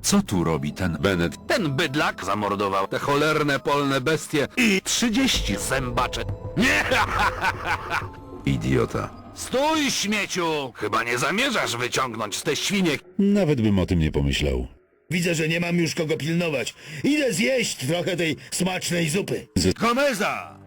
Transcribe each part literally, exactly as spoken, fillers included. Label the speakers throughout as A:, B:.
A: Co tu robi ten Bennett?
B: Ten bydlak zamordował te cholerne polne bestie i trzydzieści zębacze. Nie!
A: Idiota.
B: Stój, śmieciu! Chyba nie zamierzasz wyciągnąć z te świnie.
C: Nawet bym o tym nie pomyślał.
D: Widzę, że nie mam już kogo pilnować. Idę zjeść trochę tej smacznej zupy.
B: Gomeza!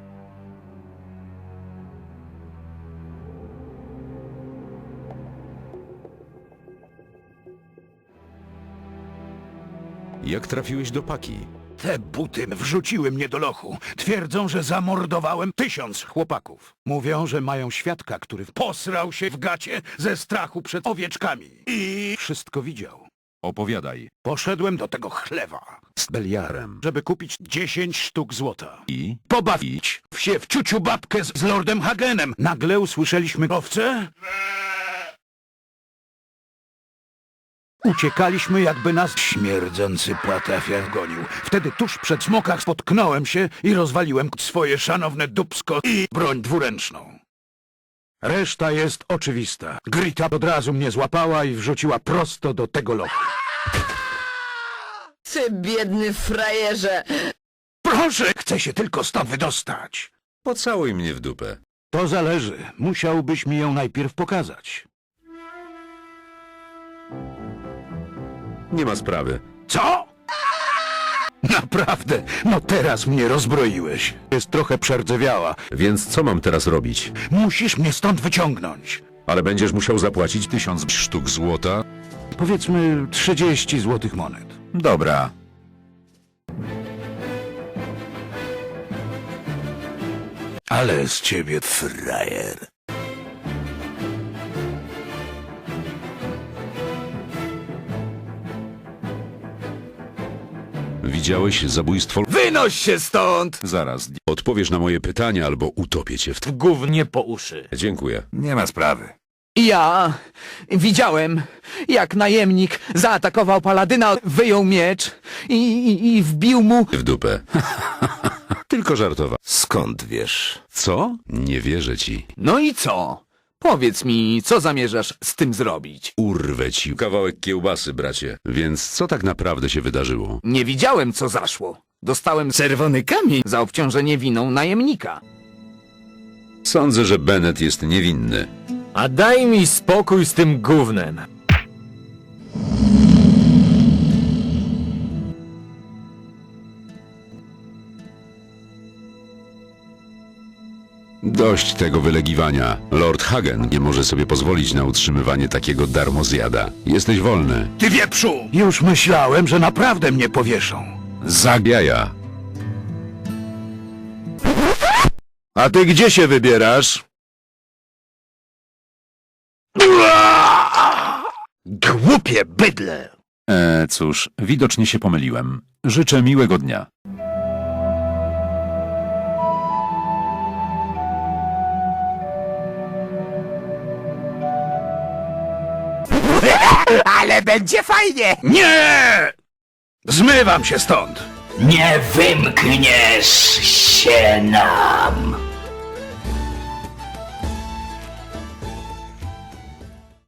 A: Jak trafiłeś do paki?
B: Te buty wrzuciły mnie do lochu. Twierdzą, że zamordowałem tysiąc chłopaków. Mówią, że mają świadka, który posrał się w gacie ze strachu przed owieczkami. I wszystko widział.
A: Opowiadaj.
B: Poszedłem do tego chlewa z Beliarem, żeby kupić dziesięć sztuk złota.
A: I?
B: Pobawić się w ciuciu babkę z, z Lordem Hagenem. Nagle usłyszeliśmy owce. Uciekaliśmy, jakby nas śmierdzący płatafian gonił. Wtedy tuż przed smokach spotknąłem się i rozwaliłem swoje szanowne dupsko i broń dwuręczną. Reszta jest oczywista. Grita od razu mnie złapała i wrzuciła prosto do tego lochu.
E: Ty biedny frajerze!
B: Proszę, chcę się tylko stąd wydostać.
A: Pocałuj mnie w dupę.
B: To zależy. Musiałbyś mi ją najpierw pokazać.
A: Nie ma sprawy.
B: Co? Naprawdę, no teraz mnie rozbroiłeś. Jest trochę przerdzewiała.
A: Więc co mam teraz robić?
B: Musisz mnie stąd wyciągnąć.
A: Ale będziesz musiał zapłacić tysiąc sztuk złota?
B: Powiedzmy trzydzieści złotych monet.
A: Dobra.
B: Ale z ciebie frajer.
A: Widziałeś zabójstwo?
F: Wynoś się stąd!
A: Zaraz. Odpowiesz na moje pytania albo utopię cię w...
F: W gównie po uszy.
A: Dziękuję.
B: Nie ma sprawy.
F: Ja widziałem, jak najemnik zaatakował paladyna, wyjął miecz i, i, i wbił mu...
A: W dupę. Tylko żartowa.
B: Skąd wiesz?
A: Co? Nie wierzę ci.
F: No i co? Powiedz mi, co zamierzasz z tym zrobić?
A: Urwę ci kawałek kiełbasy, bracie. Więc co tak naprawdę się wydarzyło?
F: Nie widziałem, co zaszło. Dostałem czerwony kamień za obciążenie winą najemnika.
A: Sądzę, że Bennett jest niewinny.
G: A daj mi spokój z tym gównem.
A: Dość tego wylegiwania. Lord Hagen nie może sobie pozwolić na utrzymywanie takiego darmozjada. Jesteś wolny.
B: Ty wieprzu! Już myślałem, że naprawdę mnie powieszą.
A: Zagiaja.
B: A ty gdzie się wybierasz? Głupie bydle!
A: E, cóż, widocznie się pomyliłem. Życzę miłego dnia.
F: Ale będzie fajnie!
B: Nie! Zmywam się stąd!
H: Nie wymkniesz się nam!